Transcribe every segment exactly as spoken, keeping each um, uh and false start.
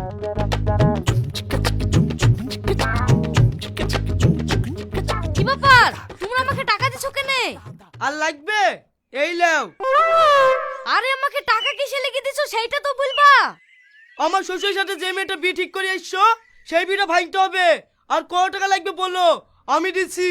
কি ব্যাপার, তোমরা আমাকে টাকা দিছো কেনে? আর লাগবে? এই লাও। আরে আমাকে টাকা কিসে লেগে দিছো সেইটা তো বলবা। আমার শ্বশুরের সাথে যে মেয়েটা বিয়ে ঠিক করে এসছো সেই বিয়েটা ভাঙতে হবে। আর কত টাকা লাগবে বলো, আমি দিচ্ছি।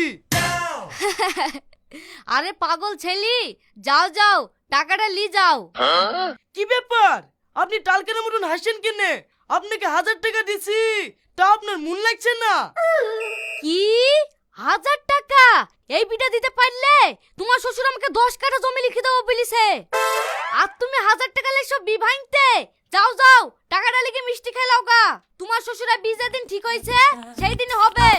আরে পাগল ছেলি, যাও যাও টাকাটা লি যাও। কি ব্যাপার, আপনি টালকের মতন হাসছেন কেনে? আপনাকে হাজার টাকা দিছি, তা আপনার মন লাগছে না? কি হাজার টাকা? এই বিটা দিতে পারলে তোমার শ্বশুর আমাকে দশ কাঠা জমি লিখে দেবো বলিছে। আর তুমি হাজার টাকা লেছো বি ভাঙতে? যাও যাও টাকাটা লিখে মিষ্টি খাই লাও গা। তোমার শ্বশুরা বিশ দিন ঠিক হয়েছে সেই দিনই হবে।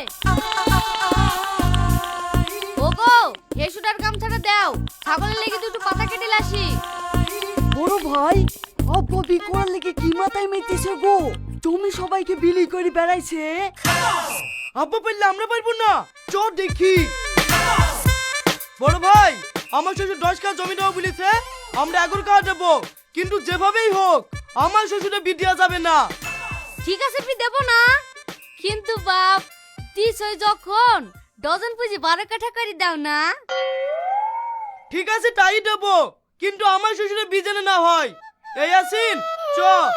ওগো হেসুটার গামছাটা দাও, ছাগলের লেগে দুটো পাতা কেটে লাসি। বড় ভাই, আব্বা বি করার লেগে কি মাথায় মেতেছে গো? তুমি সবাইকে বিলি করে বেড়াইছে। আব্বা পারলে আমরা পারবো না, চ দেখি। বড় ভাই, আমার শ্বশুর দশ কাঠা জমি দেবো বলেছে, আমরা এগারো কাঠা দেবো, কিন্তু যেভাবেই হোক আমার শ্বশুরে বিয়ে দেওয়া যাবে না। ঠিক আছে পি দেব না, কিন্তু বাপ তিস হয়ে যখন ডজন পুঁজি বারো কাঠা করে দাও না। ঠিক আছে তাই দেবো, কিন্তু আমার শ্বশুরে বিয়ে যেন না হয়। এই আসিন চ।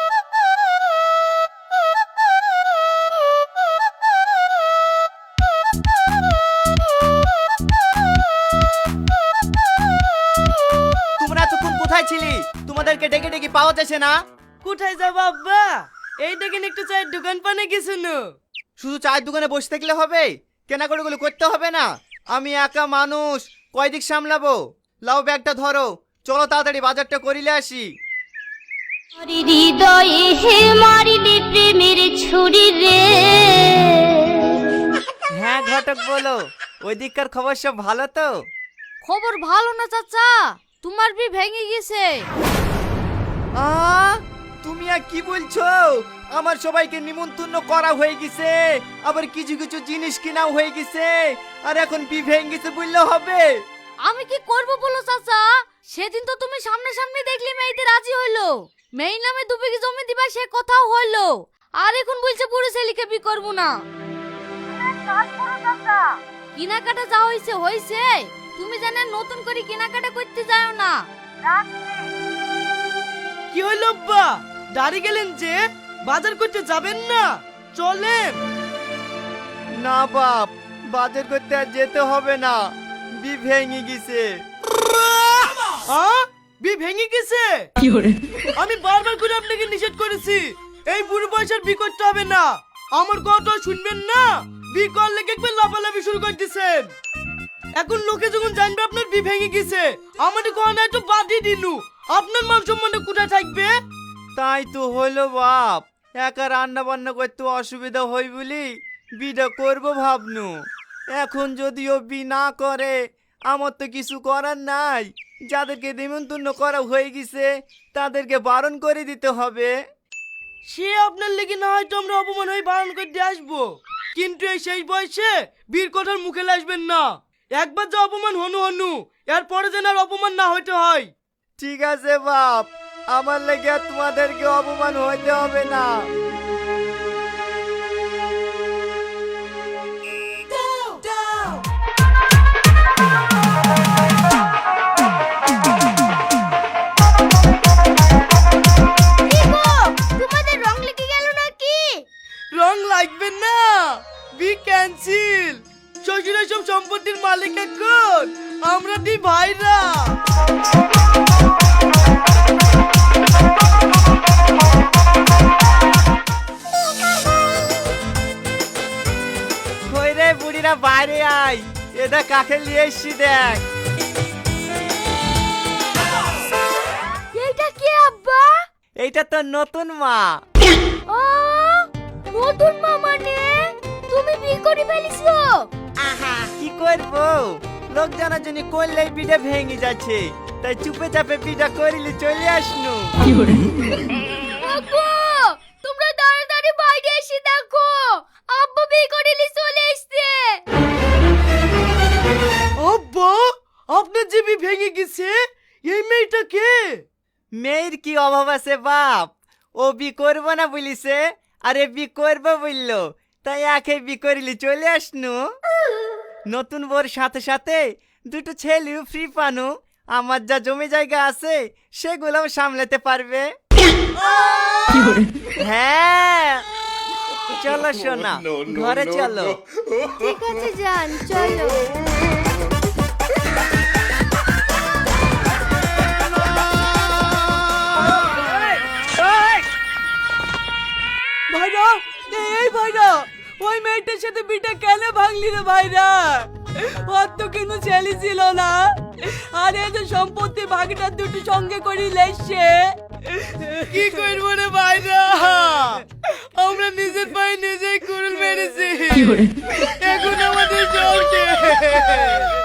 তোমরা এতক্ষণ কোথায় ছিলি? তোমাদেরকে ডেকে ডেকে পাওয়া যাচ্ছে না। কোথায় যাবো আব্বা? এই দেখেন একটু চায়ের দোকান পানে গেছিল। শুধু চায়ের দোকানে বসে থাকলে হবে? কেনাকাটাগুলো করতে হবে না? আমি একা মানুষ, কয় দিক সামলাবো? লাও ব্যাগটা ধরো, চলো তাড়াতাড়ি বাজারটা করিলে আসি। হৃদয়ে হে মারিলে প্রেমের ছুরি রে। হ্যাঁ ঘটক বলো, ওই দিককার খবর সব ভালো তো? খবর ভালো না চাচা, তোমার বি ভেঙে গেছে। আ তুমি আর কি বলছো? আমার সবাইকে নিমন্ত্রণ করা হয়ে গেছে, আবার কিছু কিছু জিনিস কিনাও হয়ে গেছে, আর এখন বি ভেঙে গেছে বললে হবে? আমি কি করব বলো চাচা? সেদিন তো তুমি সামনে সামনে দেখলি মেয়েতে রাজি হইলো, মেয়ে নামে দু বিঘি জমি দিবা সে কথাও হইলো, আর এখন বলছে পুরো ছেলেকে বি করবো না। কেনাকাটা যা হইছে হইছে, তুমি জানে নতুন করে কেনাকাটা করতে যাও না। কি হইলো আব্বা, দাঁড়িয়ে গেলেন যে? বাজার করতে যাবেন না? চলেন। না বাপ, বাজার করতে আর যেতে হবে না, বি ভেঙে গেছে। হ্যাঁ, বি ভেঙে গেছে? আমি বারবার করে আপনাকে নিষেধ করেছি এই বুড়ো বয়সের বি করতে হবে না। আমার কথা শুনবেন না, বি করলে একবার লাফালাফি শুরু করে দিছেন। এখন লোকে যখন জানবে আপনার বি ভেঙে গেছে, আমাদের গহনা একটু বাদই দিলু, আপনার মান সম্মানে কোথায় থাকবে? তাই তো হলো বাপ, একা রান্না বান্না করতে অসুবিধা হই বলি বিটা করবো ভাবনু। এখন যদিও বি না করে আমার তো কিছু করার নাই, যাদেরকে নিমন্ত্রণ করা হয়ে গেছে তাদেরকে বারণ করে দিতে হবে। সে আপনার লেগে না হয়তো আমরা অপমান হয়ে বারণ করতে আসবো, কিন্তু এই শেষ বয়সে বীর কথার মুখে আসবেন না। একবার যে অপমান হনু হনু, এরপরে যেন আর অপমান না হইতে হয়। ঠিক আছে বাপ, আমার লেগে আর তোমাদেরকে অপমান হইতে হবে না। তোমাদের রং লেগে গেল নাকি? রং লাগবে না, বি ক্যান্সেল। শ্বশুরের সব সম্পত্তির মালিক এখন আমরা দুই ভাইরা। কই রে বুড়িরা, বাইরে আয়, এটা কাকে নিয়ে এসছি দেখ। এইটা কি আব্বা? এইটা তো নতুন মা। ও নতুন মা মানে তুমি বি করে ফেলিছো? কি করবো, লোক জানার জন্য করলেই বিটা ভেঙে যাচ্ছে, তাই চুপে চাপে বিটা করিলে চলে আসনু। আব্বু তোমরা তাড়াতাড়ি বাইরে এসে দেখো, আব্বু বি করে লি চলে এসেছে। আব্বা, আপনার যে বি ভেঙে গেছে, এই মেয়েটা কে? মেয়ের কি অভাব আছে বাপ, ও বি করবো না বলিছে, আরে বি করবো বললো, তাই একে বি করিলি চলে আসনু। নতুন বোর সাথে সাথে দুটো ছেলেও ফ্রি পানু। আমার যা জমি জায়গা আছে সেগুলোও সামলাতে পারবে। হ্যাঁ চলো সোনা, ঘরে চলো। ঠিক আছে যান, চলো। ভাইরা, এই ভাইরা, ওই মেয়েটার সাথে বিটা কেন ভাঙলি রে ভাইরা? ওর তো কিন্তু ছেলে ছিল না, আর এই যে সম্পত্তি ভাগটা দুটো সঙ্গে করে লেসছে। কি করবো রে ভাইরা, আমরা নিজের পায়ে নিজেই কুড়ুল মেরেছি। এখন আমাদের চলছে।